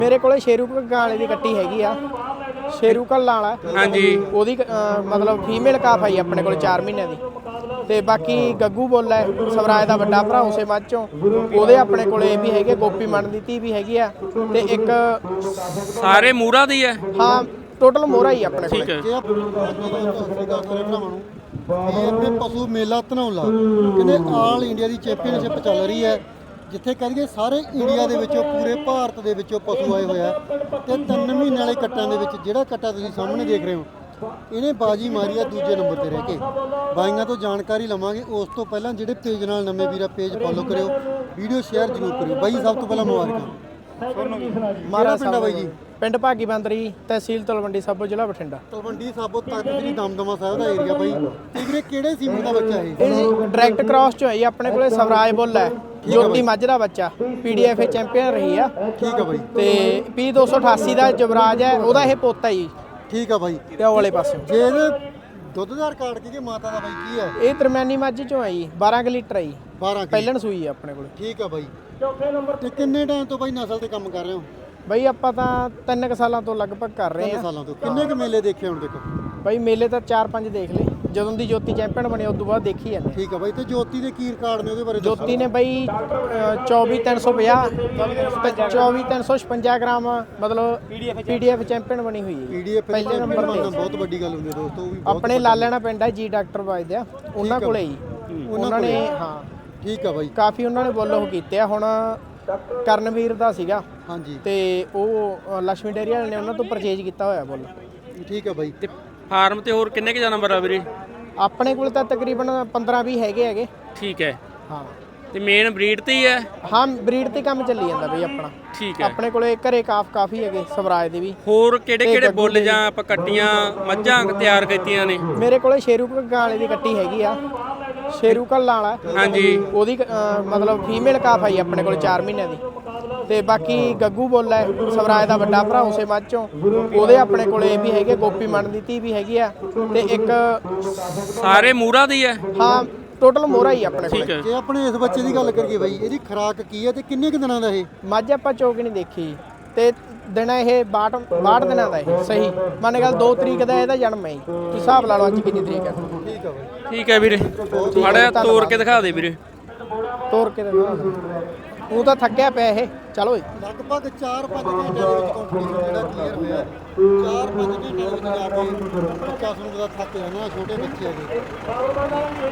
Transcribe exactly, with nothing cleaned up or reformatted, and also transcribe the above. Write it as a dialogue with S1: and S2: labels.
S1: ਮੇਰੇ ਕੋਲੇ ਸ਼ੇਰੂ ਘੱਗਾ ਵਾਲੇ ਦੀ ਕੱਟੀ ਹੈਗੀ ਆ। ਸ਼ੇਰੂ ਘੱਲਾ ਵਾਲਾ
S2: ਹਾਂਜੀ
S1: ਉਹਦੀ ਮਤਲਬ ਫੀਮੇਲ ਕਾਫ ਆਈ ਆਪਣੇ ਕੋਲ ਚਾਰ ਮਹੀਨਿਆਂ ਦੀ। ਤੇ ਬਾਕੀ ਗੱਗੂ ਬੋਲਾ ਹੈ ਸਵਰਾਜ ਦਾ ਵੱਡਾ ਭਰਾ ਉਸੇ ਮੱਝ ਚੋਂ, ਉਹਦੇ ਆਪਣੇ ਕੋਲੇ ਵੀ ਹੈਗੇ। ਗੋਪੀ ਮਨ ਦੀ ਧੀ ਵੀ ਹੈਗੀ ਆ ਤੇ ਇੱਕ
S2: ਸਾਰੇ ਮੂਰਾ ਦੀ ਹੈ।
S1: ਹਾਂ ਟੋਟਲ ਮੋਹਰਾ ਹੀ ਆਪਣੇ ਕੋਲੇ।
S2: ਠੀਕ ਹੈ।
S3: ਜੇ ਭਰਾਵਾਂ ਨੂੰ ਇਹ ਇੱਥੇ ਪਸ਼ੂ ਮੇਲਾ ਧਨੌਲਾ ਕਹਿੰਦੇ ਆਲ ਇੰਡੀਆ ਦੀ ਚੈਂਪੀਅਨਸ਼ਿਪ ਚੱਲ ਰਹੀ ਹੈ, ਜਿੱਥੇ ਕਰੀਏ ਸਾਰੇ ਇੰਡੀਆ ਦੇ ਵਿੱਚੋਂ ਪੂਰੇ ਭਾਰਤ ਦੇ ਵਿੱਚੋਂ ਪਸ਼ੂ ਆਏ ਹੋਇਆ। ਤੇ ਤਿੰਨ ਮਹੀਨੇ ਵਾਲੇ ਕੱਟਾਂ ਦੇ ਵਿੱਚ ਜਿਹੜਾ ਕੱਟਾ ਤੁਸੀਂ ਸਾਹਮਣੇ ਦੇਖ ਰਹੇ ਹੋ, ਇਹਨੇ ਬਾਜੀ ਮਾਰੀ ਆ ਦੂਜੇ ਨੰਬਰ ਤੇ ਰਹਿ ਕੇ। ਬਾਈਆਂ ਤੋਂ ਜਾਣਕਾਰੀ ਲਵਾਂਗੇ। ਉਸ ਤੋਂ ਪਹਿਲਾਂ ਜਿਹੜੇ ਪੇਜ ਨਾਲ ਨਵੇਂ ਵੀਰਾ ਪੇਜ ਫੋਲੋ ਕਰਿਓ, ਵੀਡੀਓ ਸ਼ੇਅਰ ਜ਼ਰੂਰ ਕਰਿਓ। ਬਾਈ ਸਭ ਤੋਂ ਪਹਿਲਾਂ ਮੁਬਾਰਕਾਂ। ਮਾਰਾ ਪਿੰਡਾ ਬਾਈ ਜੀ?
S1: ਪਿੰਡ ਭਾਗੀ ਬੰਦਰੀ, ਤਹਿਸੀਲ ਤਲਵੰਡੀ ਸਾਬੋ, ਜ਼ਿਲ੍ਹਾ ਬਠਿੰਡਾ।
S3: ਤਲਵੰਡੀ ਸਾਬੋ ਤੱਕ ਜਿਹੜੀ ਦਮਦਮਾ ਸਾਹਿਬ ਦਾ ਏਰੀਆ ਬਾਈ। ਤੇ ਵੀਰੇ ਕਿਹੜੇ ਸੀਮਨ ਦਾ ਬੱਚਾ ਇਹ?
S1: ਇਹ ਜੀ ਡਾਇਰੈਕਟ ਕ੍ਰਾਸ ਚੋਂ ਹੈ ਜੀ। ਆਪਣੇ ਕੋਲੇ ਸਵਰਾਜ ਬੁੱਲ ਹੈ, ਜੋਤੀ ਮੱਝ ਦਾ ਬੱਚਾ, ਪੀਡੀਐਫ ਚੈਂਪੀਅਨ ਰਹੀ ਆ।
S3: ਠੀਕ ਆ ਬਾਈ।
S1: ਤੇ ਪੀ ਦੋ ਸੌ ਅਠਾਸੀ ਦਾ ਜਵਰਾਜ ਹੈ, ਉਹਦਾ ਇਹ ਪੋਤਾ ਜੀ।
S3: ਠੀਕ ਆ ਬਾਈ।
S1: ਤੇ ਉਹ ਵਾਲੇ ਪਾਸੇ
S3: ਜੇ ਇਹਦੇ ਦੁੱਧ ਦਾ ਰਿਕਾਰਡ ਕੀ ਮਾਤਾ ਦਾ ਬਾਈ ਕੀ ਹੈ?
S1: ਇਹ ਦਰਮਿਆਨੀ ਮੱਝ ਚੋਂ ਹੈ ਜੀ, ਬਾਰਾਂ ਕੁ ਲੀਟਰ ਹੈ ਜੀ।
S3: ਬਾਰਾਂ ਕਿਲੋ
S1: ਪਹਿਲਣ ਸੂਈ ਹੈ ਆਪਣੇ ਕੋਲੇ।
S3: ਠੀਕ ਆ ਬਾਈ। ਤੇ ਕਿੰਨੇ ਟਾਈਮ ਤੋਂ ਬਾਈ ਨਸਲ ਤੇ ਕੰਮ ਕਰ ਰਹੇ ਹੋ?
S1: ਬਈ ਆਪਾਂ ਤਾਂ ਤਿੰਨ ਕੁ ਸਾਲਾਂ ਤੋਂ ਲਗਭਗ ਕਰ ਰਹੇ
S3: ਤਿੰਨ
S1: ਆ।
S3: ਸਾਲਾਂ ਤੋਂ। ਕਿੰਨੇ ਕੁ ਮੇਲੇ ਦੇਖੇ ਹੁਣ ਤੱਕ?
S1: ਬਈ ਮੇਲੇ ਤਾਂ ਚਾਰ ਪੰਜ ਦੇਖ ਲਏ, ਜਦੋਂ ਦੀ ਜੋਤੀ ਚੈਂਪੀਅਨ ਬਣੀ ਉਸ ਤੋਂ ਬਾਅਦ ਦੇਖੀ ਜਾਂਦੇ।
S3: ਠੀਕ ਆ ਬਾਈ। ਤੇ ਜੋਤੀ ਦੇ ਕੀ ਰਿਕਾਰਡ ਨੇ ਉਹਦੇ ਬਾਰੇ ਦੱਸੋ?
S1: ਜੋਤੀ ਨੇ ਬਈ ਚੌਵੀ ਤਿੰਨ ਸੌ ਪੰਜਾਹ ਚੌਵੀ ਤਿੰਨ ਸੌ ਛਪੰਜਾ ਗ੍ਰਾਮ ਮਤਲਬ ਪੀਡੀਐਫ ਚੈਂਪੀਅਨ ਬਣੀ ਹੋਈ ਹੈ।
S3: ਪੀਡੀਐਫ
S1: ਪਹਿਲੇ ਨੰਬਰ ਤੇ
S3: ਬਹੁਤ ਵੱਡੀ ਗੱਲ ਹੁੰਦੀ ਹੈ ਦੋਸਤੋ। ਉਹ ਵੀ ਬਹੁਤ
S1: ਆਪਣੇ ਲਾਲੇਣਾ ਪਿੰਡ ਹੈ ਜੀ, ਡਾਕਟਰ ਵੱਜਦੇ ਆ ਉਹਨਾਂ
S3: ਠੀਕ ਆ
S1: ਕੋਲੇ ਹੀ। ਉਹਨਾਂ ਨੇ ਹਾਂ
S3: ਠੀਕ ਆ ਬਾਈ।
S1: ਕਾਫੀ ਉਹਨਾਂ ਨੇ ਬੋਲੋ ਕੀਤੇ ਆ। ਹੁਣ ਕਰਨਵੀਰ ਦਾ ਸੀਗਾ
S3: ਹਾਂਜੀ।
S1: ਤੇ ਉਹ ਲక్ష్ਮੀ ਡੇਅਰੀ ਵਾਲੇ ਨੇ ਉਹਨਾਂ ਤੋਂ ਪਰਚੇਜ ਕੀਤਾ ਹੋਇਆ ਬੋਲ।
S3: ਠੀਕ ਆ ਬਾਈ।
S2: ਤੇ ਫਾਰਮ ਤੇ ਹੋਰ ਕਿੰਨੇ ਕੁ ਜਾਨਵਰ ਆ ਵੀਰੇ?
S1: ਆਪਣੇ ਕੋਲ ਤਾਂ ਤਕਰੀਬਨ ਪੰਦਰਾਂ ਵੀਹ ਹੈਗੇ ਹੈਗੇ।
S2: ਠੀਕ ਹੈ।
S1: ਹਾਂ
S2: ਤੇ ਮੇਨ ਬਰੀਡ ਤੇ ਹੀ ਹੈ?
S1: ਹਾਂ ਬਰੀਡ ਤੇ ਕੰਮ ਚੱਲੀ ਜਾਂਦਾ ਬਈ ਆਪਣਾ।
S2: ਠੀਕ ਹੈ।
S1: ਆਪਣੇ ਕੋਲੇ ਘਰੇ ਕਾਫ ਕਾਫੀ ਹੈਗੇ ਸਵਰਾਜ ਦੇ ਵੀ।
S2: ਹੋਰ ਕਿਹੜੇ ਕਿਹੜੇ ਬੁੱਲ ਜਾਂ ਆਪਾਂ ਕੱਟੀਆਂ ਮੱਝਾਂ ਤਿਆਰ ਕੀਤੀਆਂ ਨੇ?
S1: ਮੇਰੇ ਕੋਲੇ ਸ਼ੇਰੂ ਘੱਗਾ ਵਾਲੇ ਦੀ ਕੱਟੀ ਹੈਗੀ ਆ। ਸ਼ੇਰੂ ਘੱਲਾ ਵਾਲਾ
S2: ਹਾਂਜੀ
S1: ਉਹਦੀ ਮਤਲਬ ਫੀਮੇਲ ਕਾਫ ਆਈ ਆਪਣੇ ਕੋਲ ਚਾਰ ਮਹੀਨਿਆਂ ਦੀ। ਤੇ ਬਾਕੀ ਗੱਗੂ ਬੋਲਾ ਹੈ ਸਵਰਾਜ ਦਾ ਵੱਡਾ ਭਰਾ ਉਸੇ ਮੱਝ ਚੋਂ, ਉਹਦੇ ਆਪਣੇ ਕੋਲੇ ਵੀ ਹੈਗੇ। ਗੋਪੀ ਮਨ ਦੀ ਧੀ ਵੀ ਹੈਗੀ ਆ ਤੇ ਇੱਕ
S2: ਸਾਰੇ ਮੂਰਾ ਦੀ ਹੈ।
S1: ਹਾਂ ਟੋਟਲ ਮੋਹਰਾ ਹੀ ਆਪਣੇ ਕੋਲੇ।
S2: ਠੀਕ ਹੈ।
S3: ਜੇ ਆਪਣੇ ਇਸ ਬੱਚੇ ਦੀ ਗੱਲ ਕਰੀਏ ਬਾਈ, ਇਹਦੀ ਖੁਰਾਕ ਕੀ ਹੈ ਤੇ ਕਿੰਨੇ ਕੁ ਦਿਨਾਂ ਦਾ ਇਹ?
S1: ਮੱਝ ਆਪਾਂ ਚੋਕ ਨਹੀਂ ਦੇਖੀ ਤੇ ਦਿਨ ਇਹ ਬਾਹਠ ਬਾਹਠ ਦਿਨਾਂ ਦਾ ਇਹ ਸਹੀ ਮੰਨ ਗੱਲ। ਦੋ ਤਰੀਕ ਦਾ ਇਹਦਾ ਜਨਮ ਹੈ ਜੀ। ਤੁਸੀਂ ਹਿਸਾਬ ਲਾ ਲਓ ਅੱਜ ਕਿੰਨੀ ਤਰੀਕ ਹੈ।
S3: ਠੀਕ ਆ ਬਾਈ।
S2: ਠੀਕ ਹੈ ਵੀਰੇ, ਮਾੜਾ ਤੋੜ ਕੇ ਦਿਖਾ ਦੇ ਵੀਰੇ।
S1: ਤੋੜ ਕੇ ਦਿਖਾ। ਉਹ ਤਾਂ ਥੱਕਿਆ ਪਿਆ ਇਹ। ਚਲੋ
S3: ਲਗਭਗ ਚਾਰ ਪੰਜ ਘੰਟਿਆਂ ਦੇ ਵਿੱਚ ਕੰਪੀਟੀਸ਼ਨ ਜਿਹੜਾ ਕਲੀਅਰ ਹੋਇਆ। ਚਾਰ ਪੰਜ ਘੰਟਿਆਂ ਦੇ ਵਿੱਚ ਜਾ ਕੇ ਬੱਚਾ ਤੁਹਾਨੂੰ ਪਤਾ ਥੱਕ ਜਾਣਾ, ਛੋਟੇ ਬੱਚੇ ਹੈਗੇ।